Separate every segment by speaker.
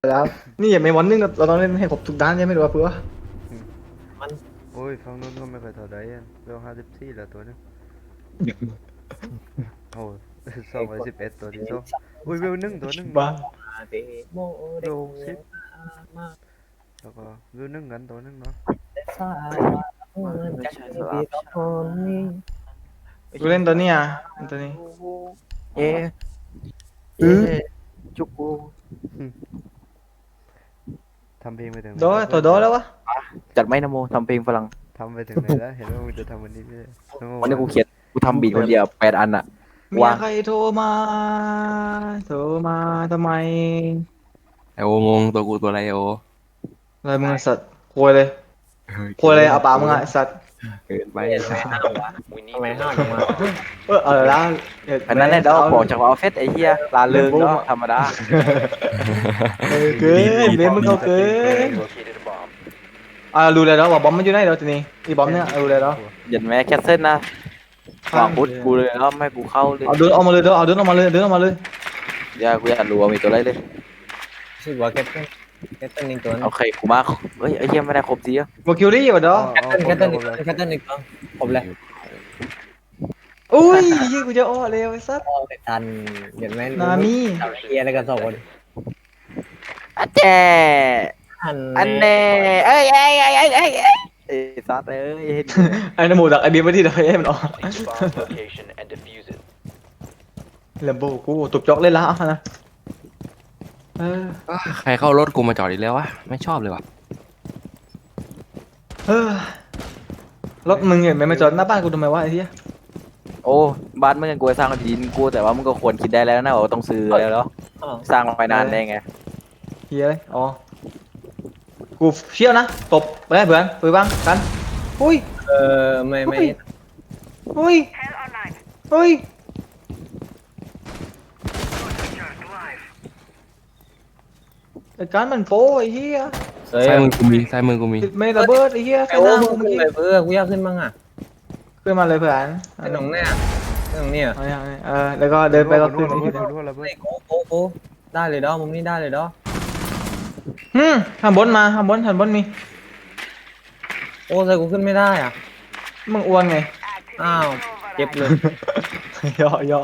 Speaker 1: แล้วนี่อย่าไม่วันนึงเราต้องเล่นให้ครบทุกด้านใช่ไหมหรือว่าเพื่อ
Speaker 2: มัน
Speaker 3: โอ้ยฝั่งนู้นก็ไม่ค่อยเท่าไหร่เวล54แล้วตัวนึงโอ้ย211ตัวที่สองอุ้ยเวลหนึ่งตัวหนึ่ง
Speaker 1: บ้า
Speaker 2: เดโมเด
Speaker 3: โล60
Speaker 2: มา
Speaker 3: แล้วก็เวลหนึ่งกันตัวหนึ่งเนาะ
Speaker 2: สายจะดีต่อคนนี้
Speaker 1: กูเล่นตัวนี้อ่ะตัวนี้
Speaker 2: เอ๊ะเอ๊ะจุกู
Speaker 3: ทำเพลงไปถึงไหน
Speaker 1: โด
Speaker 3: แล้ว
Speaker 1: ตัวโดแล้ววะ
Speaker 2: จัดไม่นะโมทำเพลงฝรั่ง
Speaker 3: ทำไปถึงไหนแล้วเห็นว่ามึงจะทำวันนี้ไม่ใช่
Speaker 2: วันนี้กูเขียนกูทำบีทคนเดียว8 อันอะ
Speaker 1: เมียว ใครโทรมาโทรมาทำไม
Speaker 4: ไอโองงตัวกูตัวอะไรโอ
Speaker 1: อะไรมึงไอ้สัตว์ควยเลยควยเลยเอาปากมึงอ่ะไอ้สัตว์
Speaker 4: เกินไป
Speaker 2: ทำไมห้าวจังวะ
Speaker 1: แล้ว
Speaker 2: อันนั้นแหละเดี๋ยวบอกจากว่าเอาเฟสไอ้เหี้ยลาเริงเนาะธรรมดา
Speaker 1: เกินเบนมึงเอาเกินรู้เลยแล้วว่าบอมมันอยู่ไหนแล้วทีนี้อีบอมเนี่ยรู้เลยแล้ว
Speaker 2: ยันแม่แคสเซิลนะวางพุทธกูเลยแล้วไม่กูเข้าเลย
Speaker 1: เอาเดินออกมาเลยเด้อเอาเดินออกมาเลยเดินออกมาเลย
Speaker 2: อย่ากูอยากรู้ว่ามีตัวอะไรเลย
Speaker 5: รู้สึกว่าแคทเทิลอีกตัวนึง
Speaker 2: โอเคกูมาเฮ้ยไอ้เหี้ยไม่ได้ครบทีอ่ะ
Speaker 1: บอกคิวรี่ว่ะเด้อ
Speaker 5: แคทเทิลอีกตัวผมเลย
Speaker 1: อุ้ยยี่กูจะอ้อเลยไอ้สัตว์
Speaker 5: ทันเห็นไหม
Speaker 1: นามิ
Speaker 5: เฮียอะไรกัน2 คน
Speaker 2: อันแน่อันแน่เอ้ยไอ้สัตว์เอ้ย
Speaker 1: ไอ้นโมดักไอ้เบียร์ไม่ที่เดี๋ยวให้มันออกเลมโบกูตุบจอกเล่นละนะ
Speaker 4: ใครเข้ารถกูมาจอดอีกแล้ววะไม่ชอบเลยว่ะ
Speaker 1: รถมึงเห็นไหมมาจอดหน้าบ้านกูทำไมวะไอ้เหี้ย
Speaker 2: โอ้บ้านมึงกันกูสร้างกับดินกูแต่ว่ามึงก็ควรคิดได้แล้วนะว่าต้องซื้อแล้วเนาะสร้างไปนานได้ไง
Speaker 1: เหี้ยเลยอ๋อกูเชี่ยวนะตบไปได้เพื่อนไปบ้างกันอุ้ย
Speaker 5: ไม่
Speaker 1: อุ้ยอุ้ยไอ้การมันโป้ไอ้เหี้ย
Speaker 5: เฮ้ย
Speaker 4: ซ้ายมือกูมีซ้ายมือกูมี
Speaker 1: ติดไม่ระเบิดไอ้เหี้ยใส่
Speaker 5: โอ้
Speaker 1: หน้า
Speaker 5: มึ
Speaker 1: กู
Speaker 5: ง
Speaker 1: เมื่อ
Speaker 5: ขึ้น
Speaker 1: กี้
Speaker 5: เลยกูอยากขึ้นบ้างอ่ะ
Speaker 1: ขึ้นมาเลยเพื่อน
Speaker 5: ไอ้ตรงเนี้ยตรงเนี้ย
Speaker 1: เอาอย่างนี้แล้วก็เดินไปก็ขึ้น
Speaker 3: ระ
Speaker 1: ไอ้
Speaker 3: เบิ
Speaker 1: เหี้
Speaker 3: ด
Speaker 1: ย
Speaker 3: ระเบิดระเบิด
Speaker 5: โอ้ได้เลยดอมุมนี้ได้เลยดอ
Speaker 1: ข้างบนมาข้างบนมี
Speaker 5: โอ้ใส่กูขึ้นไม่ได้อ่ะ
Speaker 1: มึงอ้วนไง
Speaker 5: อ้าวเจ็บเลย
Speaker 1: ย่อ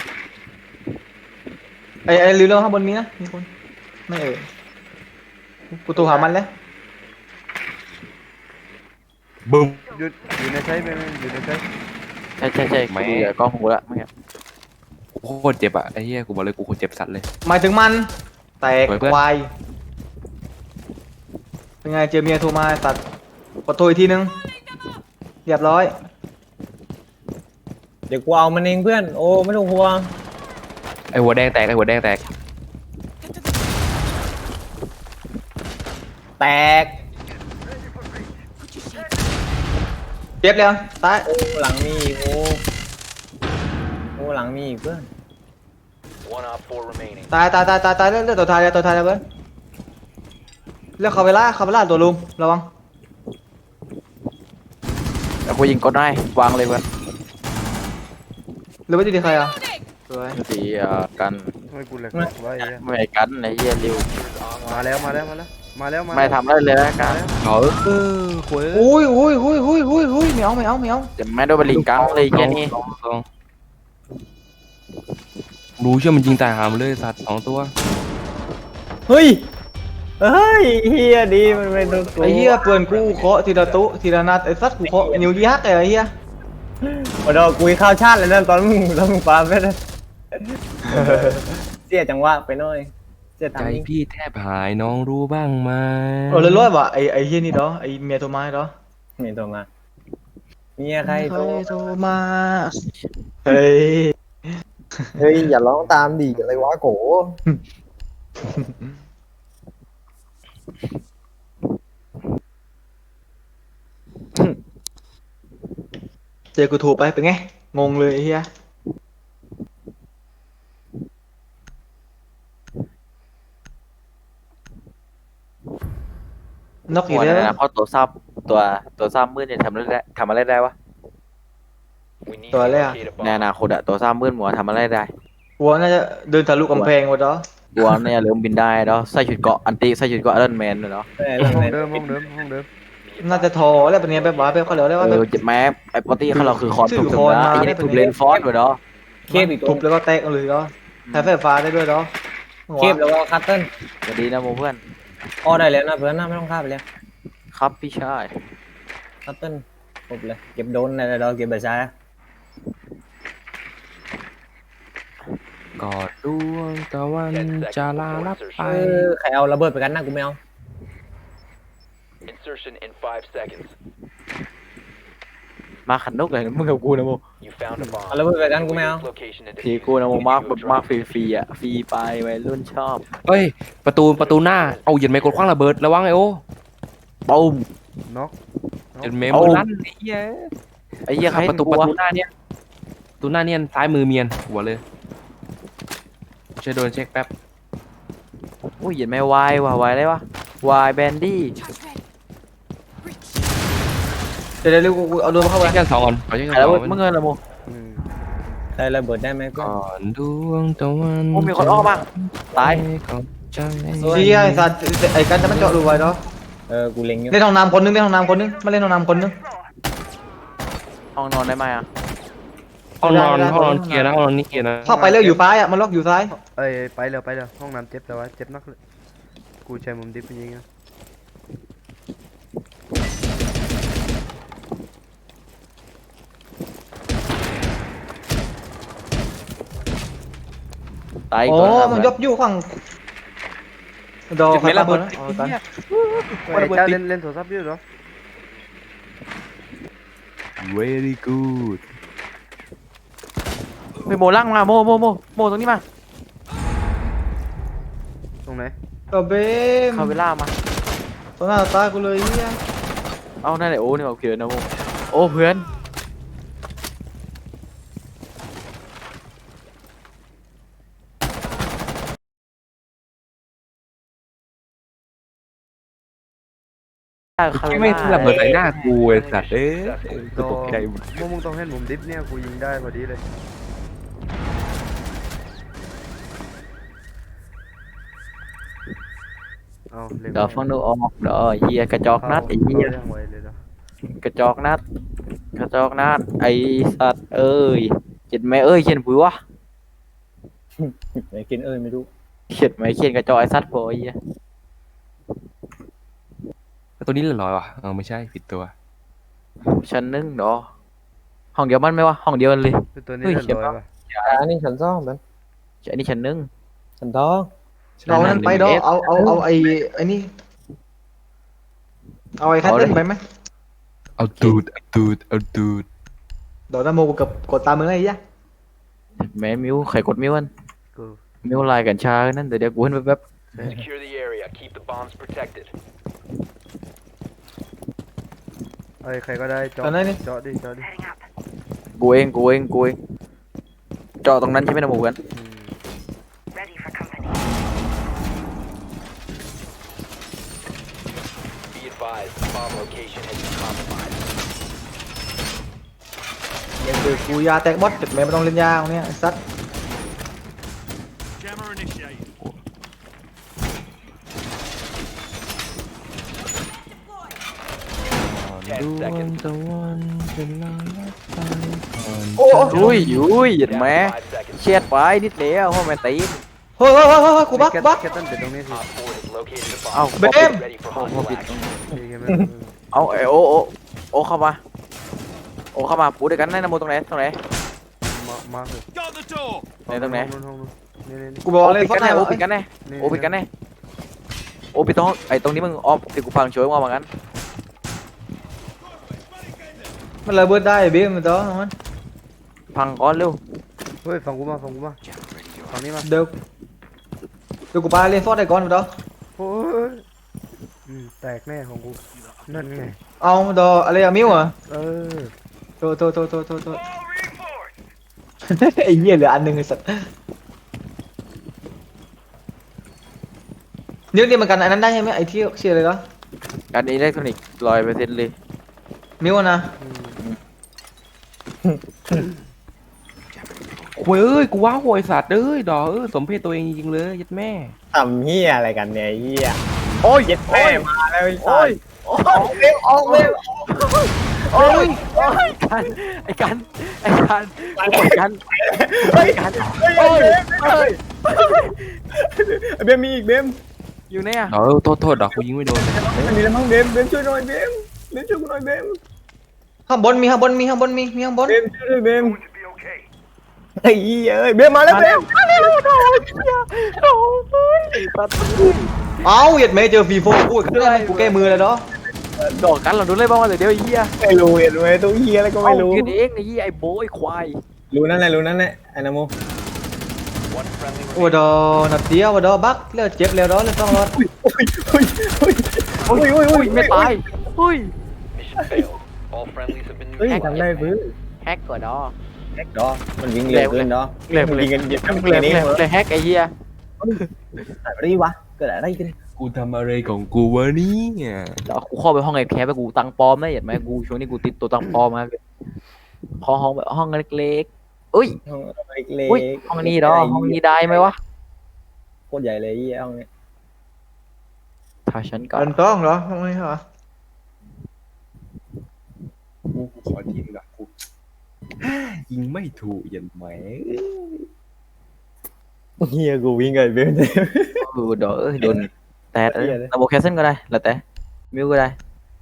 Speaker 1: ไอ้ลืมแล้วข้างบนมีนะมีคนไม่กูตูหามันแล้ว
Speaker 4: บึ้ม
Speaker 3: อยู่ในใช้เป็นอยู่ในใช้
Speaker 2: ใช่กูดูจากกล้องหูละเมื่อกี้
Speaker 4: โคตรเจ็บอ่ะไอ้เหี้ยกูบอกเลยกูโคตรเจ็บสัตว์เลย
Speaker 1: หมายถึงมันแตก
Speaker 4: เปิดเพื่อน
Speaker 1: ควายเป็นไงเจอเมียโทรมาตัดกดโทรอีกทีนึงเรียบร้อย
Speaker 5: เดี๋ยวกูเอามันเองเพื่อนโอ้ไม่ต้องห่วง
Speaker 4: ไอหัวแดงแตกไอหัวแดงแตก
Speaker 5: แตก
Speaker 1: เจ็บแล้วตาย
Speaker 5: โอ้หลังมีโอ้หลังมีเพื่อน
Speaker 1: ตายเลือดตัวท้ายแล้วเพื่อนเลือกเขาไปล่าตัวลุงระวัง
Speaker 2: แล้วกูยิงกดได้วางเลยเพื่อน
Speaker 1: หรือว่าจะดีใครอ่ะสวย
Speaker 2: สีกัน
Speaker 3: ทำไมกูแหลกวะไอ้เหี้ย
Speaker 2: ไม่กันไอ้เหี้ยริว
Speaker 3: มาแล้ว
Speaker 2: ไม่ทำได้เลยนะกัน
Speaker 3: ขวย
Speaker 1: อุ้ยไม่เอา
Speaker 2: จะไม่โดนบลิงกังเลยแค่นี้
Speaker 4: ลองรู้เชื่อมันยิงตายหามันเลยสัตว์2 ตัว
Speaker 5: เฮ้ยเฮียดีมันเป็นตัวกู
Speaker 1: ไอ้เหี้ยเปื่อนกูเคาะทีละตุทีละนัดไอ้สัตว์กูเคาะนิ้วยักษ์ไอ้เหี้ย
Speaker 5: โอ้ดอกูข้าวชาติเลยนั่นตอนมึงปาไปเลยเสียจังหวะไปหน่อยเสีย
Speaker 4: ใจ
Speaker 5: ทางนี้
Speaker 4: พี่แทบหายน้องรู้บ้างไหม
Speaker 1: เลยร้อยว่ะไอ้เหี้ยนี่เนาะไอ้เมียโทรมาเนาะ
Speaker 5: มีโทรมาเมียใครโทร
Speaker 1: โทรมาเฮ้ย
Speaker 5: เฮ้ยอย่าร้องตามดิอะไรวะโก
Speaker 1: เจอกูถูกไปเป็นไงงงเลยไอ้เหี้ยนกอี
Speaker 2: หั
Speaker 1: ก
Speaker 2: ว
Speaker 1: แล้ว
Speaker 2: นะเพราะตัวซ้ำมืดเนี่ยทำอะไรได้วะ
Speaker 1: ตัวแรก
Speaker 2: ในอนาคตอะตัวซ้ำมืดหมัวทำอะไรได้
Speaker 1: หัวน่าจะเดินทะลุกำแพงวะเนาะ
Speaker 2: กลัวเนี่ยเริ่มบินได้แล้วใส่ชุดเกราะอันติใส่ชุดเกราะไอรอนแมนเลยเนาะ
Speaker 3: ห้องเดิมห้องเดิมห้องเดิม
Speaker 1: น่าจะโทรแล้วเป็นไงแบบว่าแบบเขาเรียกว่าแบบ
Speaker 2: เจ็บแม้ไอ้ปกติเขาเราคือคอน
Speaker 1: ชื่
Speaker 2: ถู
Speaker 1: อก
Speaker 2: ถึ
Speaker 1: ค
Speaker 2: ง
Speaker 1: อน
Speaker 2: นะ
Speaker 1: มา
Speaker 2: ไอ้
Speaker 1: ได้
Speaker 2: นี่
Speaker 1: เป็น
Speaker 2: ถูกเลนฟอสด้วยเนาะ
Speaker 5: เคบอีกตัว
Speaker 1: ทุบแล้วก็แตกเลยเนาะใช้ไฟฟ้าได้ด้วยเนาะ
Speaker 5: เคบแล้วก็คัตเติ้ล
Speaker 2: สวัสดีนะโมเพื่อน
Speaker 5: อ้อได้แล้วนะเพื่อนนะไม่ต้องฆ่าไปแล้ว
Speaker 2: ครับพี่ชาย
Speaker 5: คัตเติ้ลครบเลยเก็บโดนในเราเก็บใบชาย
Speaker 4: กอดดวงตะวันจะลาลับไป
Speaker 5: ใครเอาระเบิดไปกันนะกูไม่เอา
Speaker 6: Insertion in 5 seconds.
Speaker 2: มาขันนกเลยมึงกับกูนะโม
Speaker 6: You found a bomb.
Speaker 5: เอาระเบิดไปกันกูไม่เอา
Speaker 6: Its location and
Speaker 2: ที
Speaker 6: defuse
Speaker 2: กู
Speaker 6: it.
Speaker 2: นะโม
Speaker 6: Make
Speaker 2: มาก
Speaker 6: you a
Speaker 2: แบบ
Speaker 6: drop.
Speaker 2: มากฟรีๆอ่ะฟรีไปวัยรุ่นชอบ
Speaker 4: เฮ้ยประตูหน้าเอาเหยียดไมค์กดคว้างระเบิดระวังไอ้โอ้
Speaker 2: ปุ้ม
Speaker 3: น็อก
Speaker 4: เหยียดไมค์
Speaker 2: เอา
Speaker 4: มือลั่นไอ้เหี้ย
Speaker 2: ไอ้เหี้ยใคร
Speaker 4: ประตูหน้าเนี่ยประตูหน้าเนี่ยซ้ายมือเมียนหัวเลยช่วยโดนเช็คแป๊บ
Speaker 2: อุ้ยเห็นไหมวายว่ะวายอะไรวะวายแบนดี้
Speaker 1: เดี๋ยวเร็วกูเอาโดนเข้าไป
Speaker 4: เช็คกันสองก่อนขอเช็คกัน
Speaker 2: ใคร
Speaker 4: ส
Speaker 2: ระ
Speaker 4: อง
Speaker 2: เบิด
Speaker 4: ก่อน
Speaker 2: มึงเงินละโม
Speaker 3: อืม
Speaker 5: ใครระเบิดได้ไหมเพื่อน
Speaker 4: ก่อนดวงตะวัน
Speaker 2: โอ้มีคนออกมาตาย
Speaker 4: ก่อนใจ
Speaker 1: เชี่ยไอ้สัตว์ไอ้กันจะมันเจาะรูไว้เนาะ
Speaker 5: กูเล็งอยู่
Speaker 1: เล่นห้องน้ำคนนึงเล่นห้องน้ำคนนึงมาเล่นห้องน้ำคนนึง
Speaker 2: ห้องนอนได้ไหมอ่ะ
Speaker 4: ห้องนอนเคลียร์นะห้องนอนนี่เคลียร์นะ
Speaker 1: เข้าไปเร็วอยู่ซ้ายอ่ะมันล็อกอยู่ซ้าย
Speaker 3: เอ้ยไปเลยห้องน้ำเจ็บแต่ว่าเจ็บนักเลยกูใช้มุมดิฟจริงๆนะ
Speaker 2: ตายอีก
Speaker 1: โอ้
Speaker 2: ตัว
Speaker 1: มันยบอยู่ฝั่งดอ
Speaker 4: จุด
Speaker 1: ใคร
Speaker 4: ไม่ระเบิด
Speaker 1: นะ
Speaker 4: ไอ้
Speaker 1: เอากัน
Speaker 4: เหี้ย
Speaker 3: เฮ้ยเจ้าเล่นโทรศัพท์อยู่เหรอ
Speaker 4: very good
Speaker 2: ไปโมล่างมาโมตรงนี้มา
Speaker 3: ตรงไหน
Speaker 1: ตัวเบม
Speaker 2: เข้าเวลามา
Speaker 1: ตัวหน้าตากูเลยเนี่ย
Speaker 2: เอานั่นแหละโอ้นี่โอเคนะโมโอ้เพื่อนเข้าเว
Speaker 4: ไม่
Speaker 2: ลา
Speaker 4: ระเบิดใส่หน้ากูไอ้สัตว์เอ้ย
Speaker 3: ต่อ
Speaker 4: ตกใจหมด
Speaker 3: มึงต้องเห็นมุมดิฟเนี่ยกูยิงได้พอดีเลยเอาเร็ว
Speaker 2: เดี๋ยวฟังดูออกเดี๋ยวเฮียกระจอกนัดไอ้เฮีย
Speaker 3: ยังไวเลยเหรอก
Speaker 2: ระจอกนัดไอ้สัตว์เอ้ยเขียนไหมเอ้ยเขียนปุ๋ยวะ
Speaker 5: ไหนกินไม่รู้
Speaker 2: เขียนไหมเขียนกระจอกไอ้สัตว์พอไอ้เหี้ย
Speaker 4: ตัวนี้เหลือร้อยว่ะไม่ใช่ผิดตัว
Speaker 2: ชั้นหนึ่งเนาะห้องเดียวมันไหมวะห้องเดียวกันเลย
Speaker 3: คือตัวนี้
Speaker 2: เฮ้ย
Speaker 3: เรียบร้อย
Speaker 2: เขียนปะ
Speaker 3: ป่ะ
Speaker 5: อันนี้ฉันซ่องเป็น
Speaker 2: อันนี้ชั้นหนึ่ง
Speaker 5: ฉันท้อง
Speaker 1: เอานั่นไปดอเอาไอ้นี่เอาไอ้คัตเติ้ลไปไหม
Speaker 4: เอาตูด
Speaker 1: เดี๋ยวน้าโมกับกดตามมึงไอ้ยะ
Speaker 2: แม่มิวใครกดมิวมัน
Speaker 3: กู
Speaker 2: มิวลายกัญชานั่นเดี๋ยวกูเห็นแป๊บ
Speaker 6: Secure the area. Keep the bombs protected.
Speaker 3: เอ้ยใครก็ได้เจาะ
Speaker 1: ตอนนั้นนี่
Speaker 3: เจาะดิ
Speaker 2: ๆกูเองเจาะตรงนั้นใช่ไหมนะหมูกัน
Speaker 3: อืม
Speaker 6: Be advised, the bomb location has been compromised.
Speaker 1: เดี๋ยวคือกูยาแตกบอสจุดแม่ไม่ต้องเล่นยาเอาเนี่ยไอ้สัตว์
Speaker 7: Jammer initiated.
Speaker 6: 10 seconds.
Speaker 4: ตะวันจะลาลับไปก่อน
Speaker 1: โอ้
Speaker 2: อุ้ยหยุด
Speaker 6: Down
Speaker 2: แม่
Speaker 6: to 5 seconds.
Speaker 2: เชียดไปนิดเดียวเพราะแม่ตีน
Speaker 1: เฮ้ยกูบัก
Speaker 3: แคทเติ้ลเป็นตรงนี้สิ
Speaker 6: Op 4 has located a
Speaker 2: เอ้า
Speaker 6: bomb.
Speaker 1: เบม
Speaker 6: Ready for
Speaker 2: โอ้โห
Speaker 6: hostile
Speaker 2: ปิด
Speaker 6: action.
Speaker 3: ดีกันไหม
Speaker 2: เอาไอโอเข้ามาปูด้วยกันได้นะโมตรงไหน
Speaker 3: มาเลย
Speaker 7: Got the door.
Speaker 2: ไหนตรงไหน
Speaker 3: ห้องนู้นนี่
Speaker 1: กูบอก
Speaker 2: โอ
Speaker 1: เลย
Speaker 2: ปิด
Speaker 1: ฟอ
Speaker 2: กั
Speaker 1: ส
Speaker 2: น
Speaker 1: ไน
Speaker 2: แน่
Speaker 1: ท์
Speaker 2: โอ
Speaker 1: วะ
Speaker 2: ปิดกันแน่โอปิดกันแน่โอปิดตรงไอตรงนี้มึงออฟที่กูฟังช่วยว่าเหมือนกัน
Speaker 1: มันระเบิดได้เบมมันต่อมัน
Speaker 2: พังก้อนเร็ว
Speaker 3: เฮ้ยฟังกูมาฝั่งนี้มา
Speaker 1: เดี๋ยวกูปาเล่นฟอสได้ก่อนมันต่อ
Speaker 3: โอ้ยแตกแน่ของกูนั่นไง
Speaker 1: เอาดออะไรอะมิวอ่ะ
Speaker 3: เออ
Speaker 1: โทษไอ้เหี้ยเหลืออันหนึงไอ้สัตว์นี่มันกันอันนั้นได้ใช่ไหมไอ้ที่เชียร์เลยเหรอ
Speaker 2: การอิเล็กทรอนิกส์100%เลย
Speaker 1: มิวอะนะ
Speaker 3: อืม
Speaker 2: โอ้
Speaker 4: โว้ยเอ้ยกูว้าวโวยสัตว์เอ้ยดอกสมเพศตัวเองจริงๆเลยยัดแม่
Speaker 5: ทำเฮียอะไรกันเนี่ยเฮียโอ้ยเย็ดแม่มาแล้วไอ้สัส
Speaker 2: โอ้ยกันไอ้กันไอ้กันไอ้กัน
Speaker 5: เฮ้ย
Speaker 2: กัน
Speaker 5: เฮ้ยเบมมีอีกเบม
Speaker 2: อยู่เนี่ย
Speaker 4: ดอกโทษดอกกูยิงไม่โดนเลย
Speaker 5: อันนี้แล้วมั้งเบมช่วยหน่อยเบมช่วยกูหน่อยเบม
Speaker 1: ข้างบนมีข้างบนมีข้างบนมีข้างบน
Speaker 5: เบมช่วยด้วยเบมไอ้เหี้ยเอ้ยเบมมาแล้วเบม
Speaker 1: เอ้าเหยียดแม่เจอฟีโฟกูอีกแล้วกูแก้มือเลยเนาะ
Speaker 2: ดอกกันเราดูเลยบ้างว่าเดี๋ยวไอ้เหี้ย
Speaker 5: ไม่รู้เห็นไหมตัวเหี้ยอะไรก็ไม่รู้
Speaker 2: กินเองไอ้เหี้ยไอ้โบ้ไอ้ควาย
Speaker 5: รู้นั่นแหละไอ้นาโม
Speaker 6: One friendly
Speaker 1: โอ้ดอนัดเดียวดอบักแล้วเจ็บแล้วดอแล้วต้องรอด
Speaker 2: อุ้ยไม่ตายอุ้ย
Speaker 6: mission failed. All friendlies have been
Speaker 5: เฮ้ย
Speaker 6: neutralized.
Speaker 5: ทำได้พื้น
Speaker 2: แฮกก่อนดอ
Speaker 5: แฮกดอมันวิ่งเร็วเกินดอ
Speaker 2: เร็ว
Speaker 5: มันวิ่งกันเย็น
Speaker 2: มึง
Speaker 5: แค่
Speaker 2: เลย
Speaker 5: นี้
Speaker 2: เลยแฮกไอ้เหี้ย
Speaker 5: อะไรวะเกิดอะไรกัน
Speaker 4: กูทำอะไรของกูวะเนี่ย
Speaker 2: เดี๋ยวกูเข้าไปห้องไอ้แคปไปกูตังปลอมได้เห็นไหมกูช่วงนี้กูติดตัวตังปลอมมาขอห้องแบบห้องเล็กๆอุ้ย
Speaker 5: ห้องเล็ก
Speaker 2: อุ้ยห้องนี้ดอห้องนี้ได้ไหมวะ
Speaker 5: โคตรใหญ่เลยห้องนี้
Speaker 2: ถ้าฉันก่อน
Speaker 1: มันต้องเหรอทำไมเหรอ
Speaker 4: กูขอทีมกับกูยิงไม่ถูกยันแหม
Speaker 5: เฮียกูวิ่งไงเบม
Speaker 2: ดอโดนแต่ระบบแคสเซิลก็ได้แล้วแต่มิวก็ได้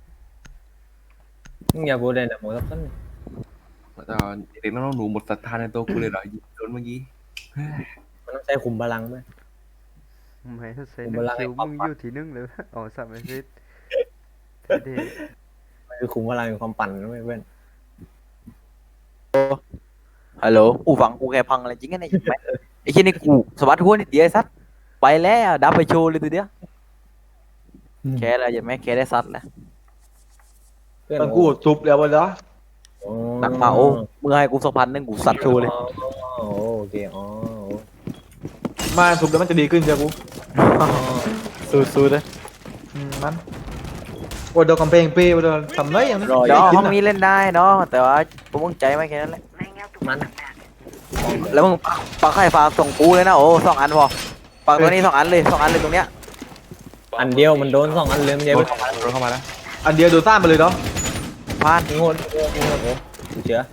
Speaker 5: มึงอย่าพูดเลยนะโมทับซ้น
Speaker 4: ตอนเด็กน้องหนูหมดศรัทธาในตัวกูเลยเหรอยิงโดนเมื่อกี้
Speaker 5: มันต้องใช้คุมพลังไหม
Speaker 3: ไม่ใช่
Speaker 5: ผม
Speaker 3: นึ
Speaker 5: เว
Speaker 3: ง
Speaker 5: ลาให้
Speaker 3: คิว
Speaker 5: ความ
Speaker 3: มึง
Speaker 5: ฝัน
Speaker 3: อยู่ที่นึงเลยอ๋อสับไม่ซิดเท่
Speaker 5: มันคือคุมพลังความปั่นนะเพื่อน
Speaker 2: ฮัลโหลอูฟังกูแค่พังอะไรจริงไงเนี่ยไหมไอ้เช่นนี่กูสวัสดิ์หัวนี่เดียวซัดไปแล้วดับไปโชว์เลยตัวเดียวแค่อะไรยังไม่แค่ได้ซัดแล้ว
Speaker 5: เพื่อน
Speaker 1: ตอนกูจุบแล้วบนดอ
Speaker 2: หนักมาโอ้เมื่อให้กู2,000กูซัดโชว์เลย
Speaker 5: โอเคอ๋อ
Speaker 1: มาจุบแล้วมันจะดีขึ้นเจ้ากู
Speaker 2: สู้ๆเลย
Speaker 1: มันโอ้ดอกำแพงเป้ดอทำไรอย่างนี้
Speaker 2: เดี๋ยวห้องนี้เล่นได้เนาะแต่ว่ากูมึงใจไม่แค่นั้นแหละ
Speaker 5: มัน
Speaker 2: แล้วมึงปากไข่ฟ้าส่งกูเลยนะโอ้2 อันพอปากตัวนี้2 อันเลย2 อันเลยตรงเนี้ย
Speaker 5: อันเดียวมันโดน2 อันเริ่มเดียว
Speaker 4: โดนเข้ามาแล้ว
Speaker 1: อันเดียวโดนซ่านไปเลยดอ
Speaker 2: พาน
Speaker 5: งดเชื่อ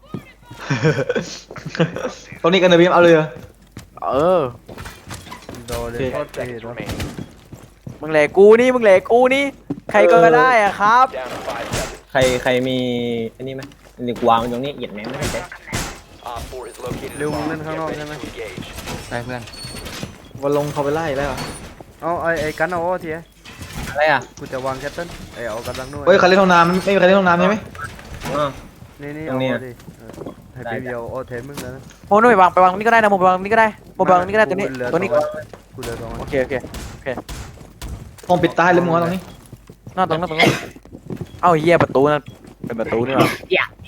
Speaker 1: ตรงนี้กันนะบีมเอาเลย
Speaker 2: เออ
Speaker 3: โดนเลย
Speaker 1: โอเค
Speaker 3: โคตรเท่
Speaker 6: Seconds
Speaker 3: เนาะ
Speaker 6: remaining.
Speaker 2: มึงแหลกกูนี่มึงแหลกกูนี่ใครก็ได้อะครับ
Speaker 6: Down to 5 seconds.
Speaker 5: ใครมีอันนี้ไหมเดี๋ยวกูวางไว้ตรงนี้เหยียดแม่งไม่ได้
Speaker 6: Op 4 has located a
Speaker 3: Lưu
Speaker 6: bomb.
Speaker 3: lên
Speaker 6: Get
Speaker 3: ข้างนอก
Speaker 6: ready
Speaker 3: ใช่ไหม
Speaker 6: to engage.
Speaker 4: ใช่เพื่อน
Speaker 1: วันลงเขาไปไล่แล้ว
Speaker 3: เอาไอ้กันเอาโอ้ที
Speaker 5: อะไรอ่ะ
Speaker 3: กูจะวางแคตเติ้ลไอ้เอากำลังนู่น
Speaker 1: เฮ้ยใครเล่นห้องน้ำไม่มีใครเล่นห้องน้ำใช่ไหม
Speaker 3: นี่
Speaker 5: ตร
Speaker 3: เอา
Speaker 5: งนี้
Speaker 3: ดิให้พี่เดียวโอ้เทมึงแล้วนะ
Speaker 2: โอ้นู่นไปวางนี่ก็ได้นะผมไปวางนี่ก็ได้ผมไปวางนี่ก็ได้ตัวนี้
Speaker 3: กูเหลือ
Speaker 2: ตัวนี้
Speaker 3: กูเหลือ2
Speaker 2: โอเค
Speaker 1: ห้องปิดตายเลยมึงวะตรงนี้
Speaker 2: นอกตรงนั้นเอ้าเหี้ยประตูนั่นเป็นประตูนี่หรอ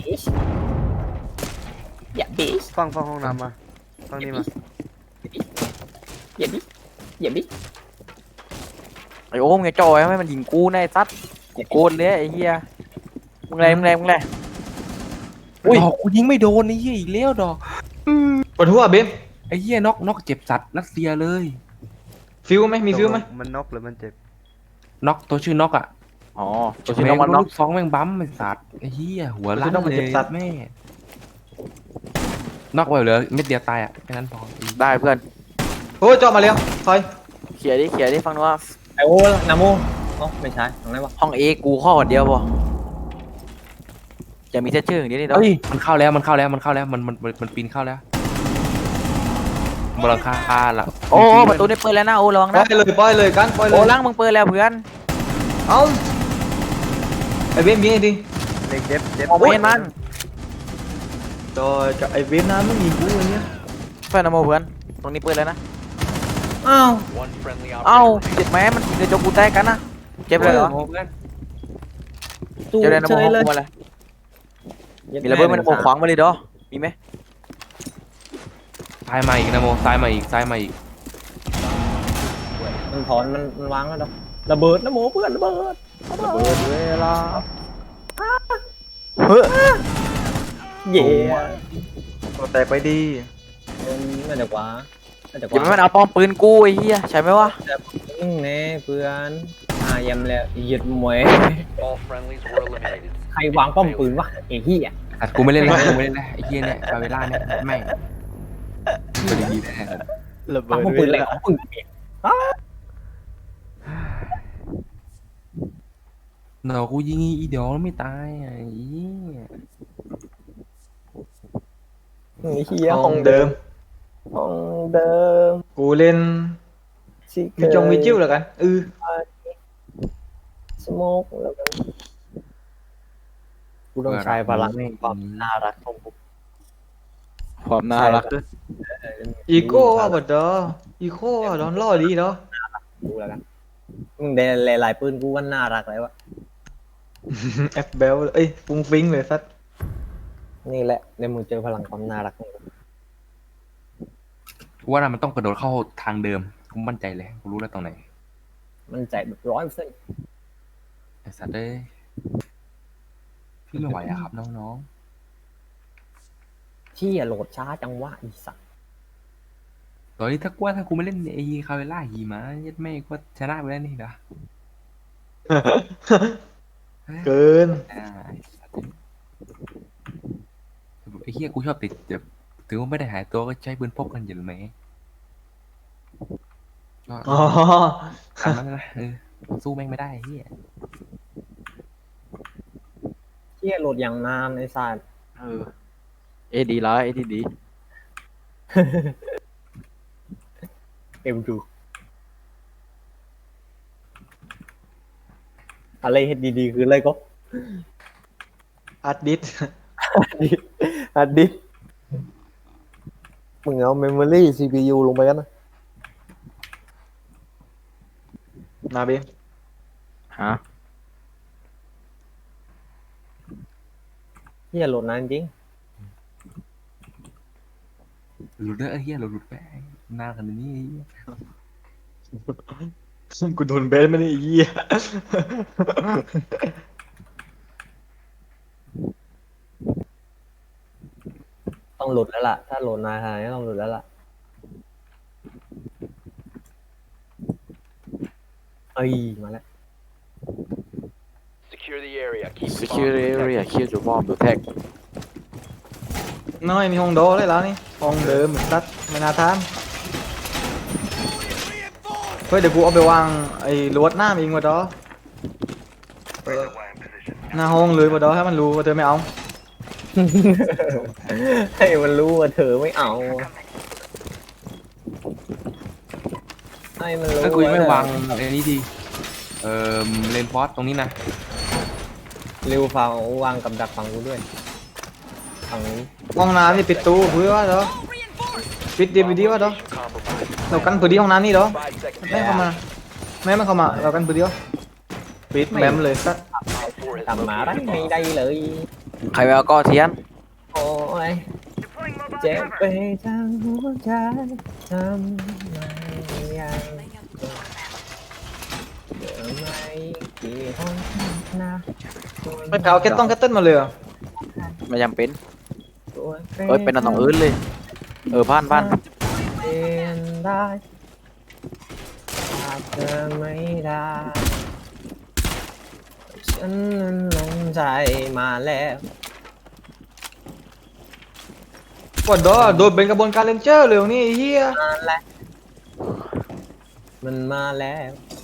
Speaker 3: ฟังห้องน้ำมาฟังนี่มา
Speaker 2: ไอ้โอ้มึงจะจ่อยให้มันยิงกูในซัดกูโกนเลยไอ้เหี้ยมึงไร
Speaker 4: อุ้ยกูยิงไม่โดนไอ้เหี้ยอีกแล้วดอก
Speaker 1: ปวดหัวบีม
Speaker 4: ไอ้เหี้ยน็อกเจ็บสัตว์รัสเซียเลย
Speaker 1: ฟิวไหมมีฟิวไหม
Speaker 3: มันน็อกหรือมันเจ็บ
Speaker 4: น็อกตัวชื่อน็อกอ่ะ
Speaker 2: อ๋อตัวชื่อน้องมันน็อก
Speaker 4: ลูกซองแม่งบั๊มไอ้สัตว์ไอ้เหี้ยหัวล้านเลยแม่น็อกไปเหลือเม็ดเดียวตายอ่ะแค่นั้นพอ
Speaker 2: ได้เพื่อน
Speaker 1: โอ้ยเจาะมาแล้วคอย
Speaker 2: เขียดิฟังดูว่า
Speaker 5: ไอโอ้นาโมอ๋อไม่ใช่ตรงไหนวะ
Speaker 2: ห้องเอกูข้อคนเดียวพอจะมีเชื่ออย่างนี้นี่เนาะ
Speaker 4: เฮ้ยมันเข้าแล้วมันปีนเข้าแล้วบนหลังคาละ
Speaker 2: โอ้ประตูนี่เปิดแล้วนะโอ้ระวัง
Speaker 1: ปล่
Speaker 2: นะ
Speaker 1: อยเลยกันปล่อยเล
Speaker 2: โอ้
Speaker 1: ย
Speaker 2: ล่างมึงเปิดแล้วเพื่อน
Speaker 1: เอ้าไอ้บีมยิงไอ้ดิ
Speaker 3: เด็กเจ็บ
Speaker 2: ออกไปเห็นมัน
Speaker 1: จอยกับไอ้บีมนะมึงยิงกูอย่างเงี้ย
Speaker 2: เพื่อนนะโมเพื่อนตรงนี้เปิดแล้วนะ
Speaker 5: อ้าว
Speaker 6: One friendly
Speaker 2: เอ้า
Speaker 6: operator
Speaker 2: เจ็บแม้มันเดี๋ยวจกูแตกกันนะเจ็บเลยเหรอ
Speaker 4: เพื่อน
Speaker 5: ตู้
Speaker 2: เจ็บเลยนะ
Speaker 5: เฉ
Speaker 2: โม
Speaker 5: ยเลย
Speaker 2: มาเลยมีระเบิดมันโมขวางมาเลยดอมีไหม
Speaker 4: ซ้ายมาอีกนะโมซ้ายมาอีก
Speaker 5: มันถอนมันวางแล้วเนาะระเบิดนะโมเพื่อนระเบิด
Speaker 2: ระเบิดเวลา
Speaker 5: เย่
Speaker 1: แตกไปดี
Speaker 5: น่าจะกว่าน่าจะก
Speaker 2: อย่า
Speaker 5: ว่า
Speaker 2: ไม่มันเอาป้อมปืนกูไอ้เหี้ยใช่ไหมวะ
Speaker 5: มึงแน่เพื่อนยำแล้วเหยียดมวย
Speaker 6: All friendlies were eliminated.
Speaker 5: ใครวางป้อมปืนวะไอ้เหี้ย
Speaker 4: แต่กูไม่เล่นแล้วกูไม่เล่นแล้วไอ้เหี้ยเนี่ยฟาเวล่าเนี่ยแม่งเป็นอย่างนี้แน่
Speaker 2: ระเบิ
Speaker 5: วาง
Speaker 2: ด
Speaker 5: ป้อมปืนอะไรของมึงเนี่ย
Speaker 4: เนาะกูยิงอีเดียวไม่ตายอ่ะไอ้เหี้ย
Speaker 5: ไอ้เหี้ย
Speaker 1: ห้องเดิม
Speaker 5: ห้องเดิม
Speaker 1: กูเล่น
Speaker 5: ชิ
Speaker 1: มีจงมีจิ้วแล้วกัน
Speaker 5: สโมกแล้วกันกูต้องใช้พลังความน่ารักของกู
Speaker 2: ความน่ารัก
Speaker 1: อีโก้ว่ะบดดออีโก้ว่ะดอนล่อดีเนาะ
Speaker 5: กูแล้วกันมึงได้หลายๆปืนกูว่าน่ารักเลยวะ
Speaker 1: แอปเบลเอ้ยฟุ้งฟิ้งเลยสัตว์
Speaker 5: นี่แหละในมึงเจอพลังความน่ารักของกู
Speaker 4: กูว่าน่ะมันต้องกระโดดเข้าทางเดิมกูมั่นใจเลยกูรู้แล้วตรงไหน
Speaker 5: มันใจแบบ100%
Speaker 4: ไอ้สัตว์เอ้ยพี่ไม่ไหวอะครับน้อง
Speaker 5: ที่โหลดช้าจังวะอีสัตว์
Speaker 4: ๆตอนนี้ถ้ากูไม่เล่นไอ้คาเวล่าหีมายัดแม่ก็ชนะไปแล้วนี่นะ
Speaker 1: เกิน
Speaker 4: ไอ้สัตว์ไอ้เหี้ยกูชอบติดแบบถึงว่าไม่ได้หายตัวก็ใช้ปืนพกกันอยู่ไหมก็
Speaker 1: อ๋อ
Speaker 4: ตามนั้นนะสู้แม่งไม่ได้ไอ้เหี้ย
Speaker 5: ที่โหลดอย่างนานไอ้สัตว์
Speaker 2: เอดีแล้วเอดี
Speaker 5: M2 อะไรเฮ็ดดีๆคืออะไรก็
Speaker 1: อัดดิส
Speaker 5: อัดดิมึงเอาเมมโมรี่ CPU ลงไปกันนะ
Speaker 1: นาเบม
Speaker 2: ฮะ
Speaker 5: ที่โหลดนานจริง
Speaker 4: หลุดเด้อไอ้เหี้ยหลุดไปนานขนาดนี้ไอ้เหี้ย
Speaker 1: กูโดนเบสไม่ได้ไอ้เหี้ย
Speaker 5: ต้องโหลดแล้วล่ะ ถ้าโหลดนานขนาดนี้ต้องโหลดแล้วล่ะเอ้ยมาแล้ว
Speaker 6: Secure the area. Keep the
Speaker 2: secure
Speaker 6: bomb
Speaker 2: area
Speaker 6: protected.
Speaker 2: kill your bomb protect
Speaker 1: น้อยมีห้องโดเลยแล้วนี่ห้องเดิมสัตว์ไม่น่าทานเฮ้ยเดี๋ยวกูเอาไปวางไอ้ลวดหน้ามันเองวะดอหน้าห้องเลยบดอให้มันรู้ว่าเธอไม่เอา
Speaker 5: ให้มันรู้ว่าเธอไม่เอา ให้มันรู้
Speaker 4: ถ้ากูยังไม่
Speaker 5: เธอ
Speaker 4: วางไอ้นี้ดีเลนฟอสตรงนี้นะ
Speaker 5: เร็วฟังวางกับดักฝั่งกูด้วยฝั่งนี้
Speaker 1: ห้องน้ำนี่ปิดตู้เพื่อวะดอปิดดีไปดีวะดอ
Speaker 6: Compromised.
Speaker 1: เรากันปืนที่ห้องน้ำนี่ดอ
Speaker 6: 5 seconds.
Speaker 1: ไม่เข้ามาไม่เข้ามาเรากันปืนเดียวปิดแมมเลยสัตว์
Speaker 6: Op 4 has
Speaker 5: กลับมาได้
Speaker 6: located a
Speaker 5: ไม่
Speaker 6: bomb.
Speaker 5: ได้เลย
Speaker 2: ใครไปเอาก้อเทียน
Speaker 5: โอ้ยเจ็บไปทั้งหัวใจทำไมยังเดี๋ยวไม่กี่ห้องนะ
Speaker 1: ไม่แผ่วแค่ต้องแค่เต้นมาเลยเหรอ
Speaker 2: ไม่จำเป็น
Speaker 5: ตัว
Speaker 2: เอ้ยเป็นอันต้องอื่นเลยผ่าน
Speaker 5: เปลี่ยนได้หากเธอไม่ได้ฉันนั้นลงใจมาแล้ว
Speaker 1: กดดอโดนเป็นกระบวนการเลนเจอร์เลยนี่ไอ้เฮีย
Speaker 5: มาแล้วมันมาแล้ว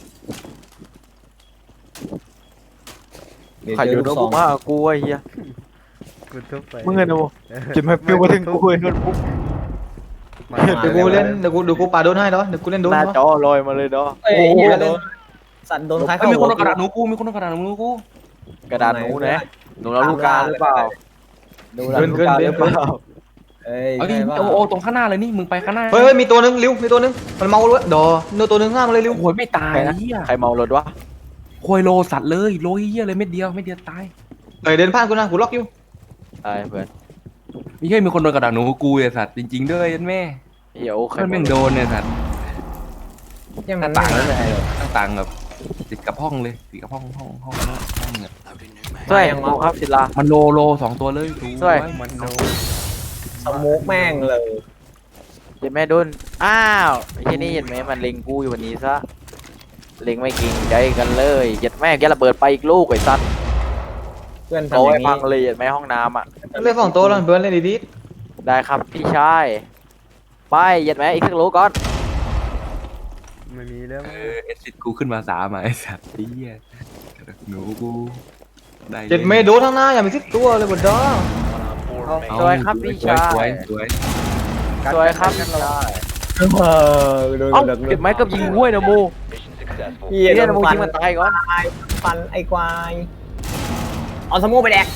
Speaker 2: ใครอยู่ตรงกูมากูไอ้เหี้ย
Speaker 3: กูทุบไป
Speaker 2: มึงไงนะโว้จะมาฟิวมาถึงกูไอ้คนปุ๊บ
Speaker 3: มา
Speaker 1: เดี๋ยวกูเล่นเดี๋ยวกูปาโดนให้เนาะเดี๋ยวกูเล่นโดน
Speaker 2: หน้า
Speaker 1: เนาะ
Speaker 2: จอลอยมาเลยเนาะ
Speaker 5: โอ้โหสัตว์โดนท้าย
Speaker 4: เอ้
Speaker 5: เข้าย
Speaker 4: มีคนเอากระ
Speaker 5: หัว
Speaker 4: ดาษหนูกูมีคนเอากระดาษหนูกู
Speaker 2: กระดาษหนูนะหนูเราลูกกาหรือเปล่าหนูเราลูกกาหรือเปล่า
Speaker 5: เอ้ย
Speaker 4: เอาดิ
Speaker 5: ใช่ป่ะ
Speaker 4: โอ้ตรงข้างหน้าเลยนี่มึงไปข้างหน้า
Speaker 1: เฮ้ยมีตัวนึงริ้วมีตัวนึงมันเมาเลยดอโดนตัวนึงห้ามเลยริ้ว
Speaker 4: โอ้ยไม่ตายเหี้ย
Speaker 2: ใครเมารถวะ
Speaker 4: โคยโลสัตว์เลยโลเหี้ยเลยเม็ดเดียวตาย
Speaker 1: เฮ้ยเดินผ่านกูนะกูล็อกอยู่
Speaker 2: ตายเพื่อน
Speaker 4: มีแค่มีคนโดนกระดาษหนูกูไอ้สัตว์จริงๆด้วยยันแม่
Speaker 2: เหี้ยโอ้ใคร
Speaker 4: มันแม่งโดนเนี่ยสัตว์
Speaker 5: ยัง
Speaker 4: ห
Speaker 5: มั
Speaker 4: น้าน ต่าง
Speaker 5: ไม่
Speaker 4: แล้ว
Speaker 5: ได้
Speaker 4: ต่างแบบติดกับห้องเลยติดกับห้องเนี่ย
Speaker 2: ช่วยกูครับศิลา
Speaker 4: มันโล2ตัวเลย
Speaker 2: ช่วย
Speaker 4: มันโล
Speaker 5: สโมกแม่งเลย
Speaker 2: เห็นไหมดุนอ้าวไอ้ที่นี่เห็นไหมมันเล็งกูอยู่วันนี้ซะเล็งไม่เก่งใจกันเลยเห็นแม่แกระเบิดไปอีกลูกไอ้สัตว์
Speaker 5: เพื่อน
Speaker 2: โอ้
Speaker 5: ทำอย ย่าง
Speaker 2: พั
Speaker 5: นี้
Speaker 2: งเลยเห็นไหมห้องน้ำอ่ะ
Speaker 1: เล่นฝั่งโตแล้วเพื่อนเล่นดี
Speaker 2: ได้ครับพี่ชายไปเห็นไหมอีกสักลูกก่อน
Speaker 3: ไม่มีแล้ว
Speaker 4: เอสซิดกูขึ้นมา3อ่ะไอ้สัตว์ไอ้เหี้ยหนูกูได้
Speaker 1: ๆเจ็ดเมโดทั้งหน้าอย่าไปซิดตัวเลยบดดอ
Speaker 6: 4
Speaker 2: เอา
Speaker 6: remaining.
Speaker 2: สวยครับพี่ชาย
Speaker 4: สวยสวย
Speaker 2: สวยครับพี่ชาย
Speaker 5: โดน
Speaker 2: เอ้า
Speaker 5: ดัก
Speaker 2: เก็บไม้กับยิงห้วยนะโม
Speaker 6: Mission successful.
Speaker 5: พี่
Speaker 2: เฮีย
Speaker 5: โด
Speaker 2: นะ
Speaker 5: น
Speaker 2: โม
Speaker 5: ฟั
Speaker 2: ยิ
Speaker 5: น
Speaker 2: งมันตายก่อน
Speaker 5: ฟันไอ้ควายเอาสมูไปแดก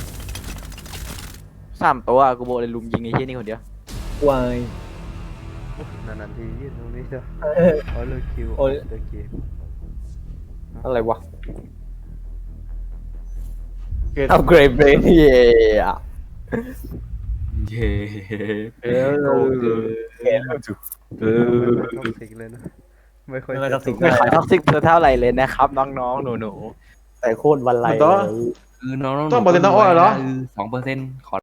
Speaker 2: 3 ตัวกูบอกเลยลุมยิงไอ้เฮียนี่คนเดียว
Speaker 5: ควาย
Speaker 3: นานๆทียืนตรงนี้เถอะ
Speaker 5: เออ
Speaker 3: เอาเลยคิว
Speaker 5: โอ้ย
Speaker 3: เดอะเกม
Speaker 5: อะไรวะ
Speaker 1: เกิด
Speaker 5: เอาเกรดเบรนเย่
Speaker 4: เย้
Speaker 5: เออเกรดจุก
Speaker 3: ไม่ค่อยท็อกซิกเลยนะไม่ค่อย
Speaker 5: ไม่ค่อยท็อกซิก
Speaker 2: ไม่ขายท็อกซิกเท่าไหร่เลยนะครับน้องๆหนู
Speaker 5: แต่โคตรวันไรเลย
Speaker 4: คือน้อง
Speaker 1: ต้องบอกเลยต้องอ้อยเหรอ
Speaker 4: 2%ขอ